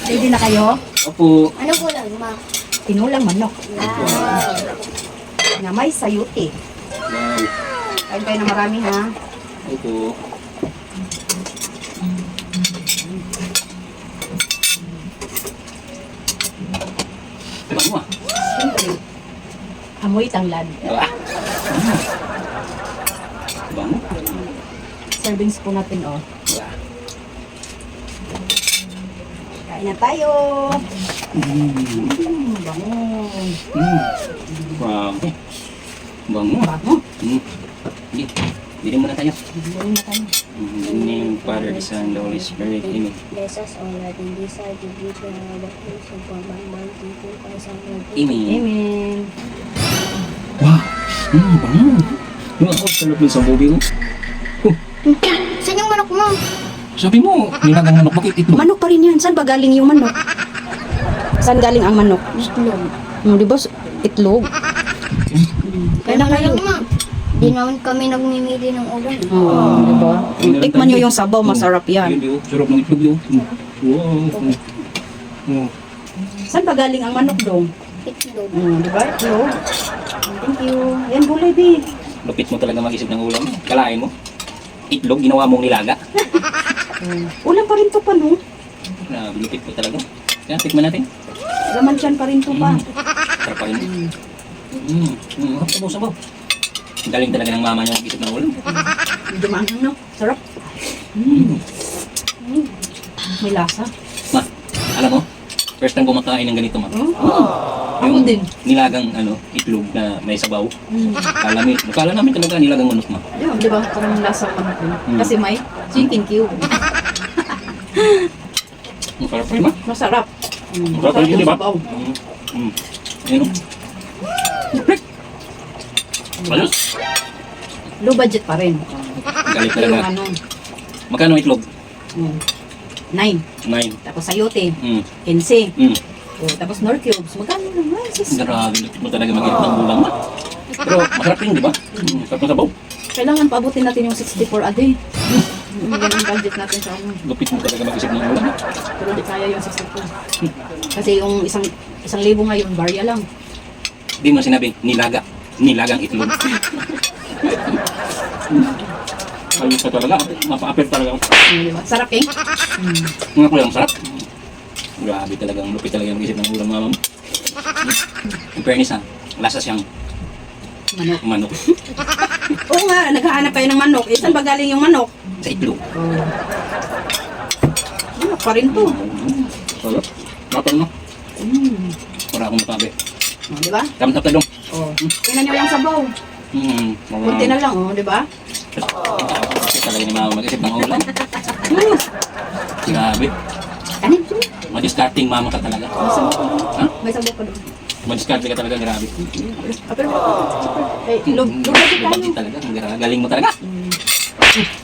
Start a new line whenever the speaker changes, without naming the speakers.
Ready na kayo?
Opo.
Ano po lang, ma?
Tinulang manok.
Wow.
Na may sayuti.
Wow.
Kain kayo na marami ha.
Opo. Bango ah.
Siyempre. Amoy tanglad.
Ah. Bango.
Serving spoon natin oh.
Ah.
Kain na tayo.
Mm.
Bango.
Grabe. Bango.
Bango.
Sige. Bili muna tayo.
Bili na tayo.
In the name of Father, the Son, the Holy Spirit. Amen.
Bless us all at in this side of you to our baptism and for my mighty to Christ our Lord.
Amen.
Amen.
Wow. Bango. Yung ako, sarap ng sabubi mo.
Saan yung manok mo?
Sabi mo, nilagang manok, bakit ito?
Manok pa rin yan. Saan ba galing yung manok? Saan galing ang manok?
Itlog.
Di ba? Itlog. Kaya na kayo.
ma. Di naman kami nagmimili ng ulam.
Oo, di ba? Tikman nyo yung sabaw, masarap yan.
Yun, sarap ng itlog yun. Wow. Oh.
Saan ba galing ang manok dong?
Itlog.
Di ba? Itlog. Thank you. Yan, gulay, di.
Lupit mo talaga mag-isip ng ulam. Kalain mo. Itlog, ginawa mong nilaga.
Ulam pa rin to pa, no?
Grabe, lupit mo talaga. Kaya, tikman natin.
Laman dyan pa rin to pa.
Sarap pa rin. Sabaw. Galing talaga ng mama niya mag-isip ng ulam.
Medyo maanghang, no? Sarap. May lasa.
Ma, alam mo, first time kumakain ng ganito, ma.
Ako din.
Nilagang itlog na may sabaw. Akala namin talaga nilagang manok, ma.
Di ba? Parang lasa ang manok yun. Kasi may chicken cube.
Ang sarap rin, ma.
Masarap.
Masarap rin, di ba?
sabaw.
Ayun, ayos.
Low budget pa rin.
Galing
Yung
talaga.
ano,
Magkano itlog?
9.
9.
Tapos sayote,
Mm.
15.
Mm.
Tapos nor cubes, magkano naman?
Grabe, lupit mo talaga mag-isip ng ulam, ma. Pero masarap rin, di ba? Sarap ng sabaw.
Kailangan paabutin natin yung 64 a day. Yan ang budget natin sa ano.
Lupit mo talaga mag-isip ng ulam.
Pero di kaya yung 64. Kasi yung isang libo ngayon, barya lang.
Di mo sinabi, nilagang itlog. Ayos ka talaga, mapa-apel talaga.
Diba? Sarap eh.
Nga ko lang, sarap. Grabe talagang lupit talaga mag-isip ng ulam, mama mo. In fairness ha, lasa siyang
Manok.
manok
Oo nga, naghahanap kayo ng manok. Eh, saan ba galing yung manok?
sa itlog.
Manok pa rin to.
Sarap. Kapal no? Wala akong matabi.
Di ba?
Tamtap na dong.
Tingnan nyo yung sabaw. Kunti na lang, di ba?
Kasi talaga ni mama mag-isip ng ulam. Grabe.
Kanin.
Madiscarding mama ka talaga.
May sabaw pa doon.
Ha?
May sabaw pa doon.
Madiscarding ka talaga, grabe.
Pero, eh, log
Lubagin talaga. Galing mo talaga.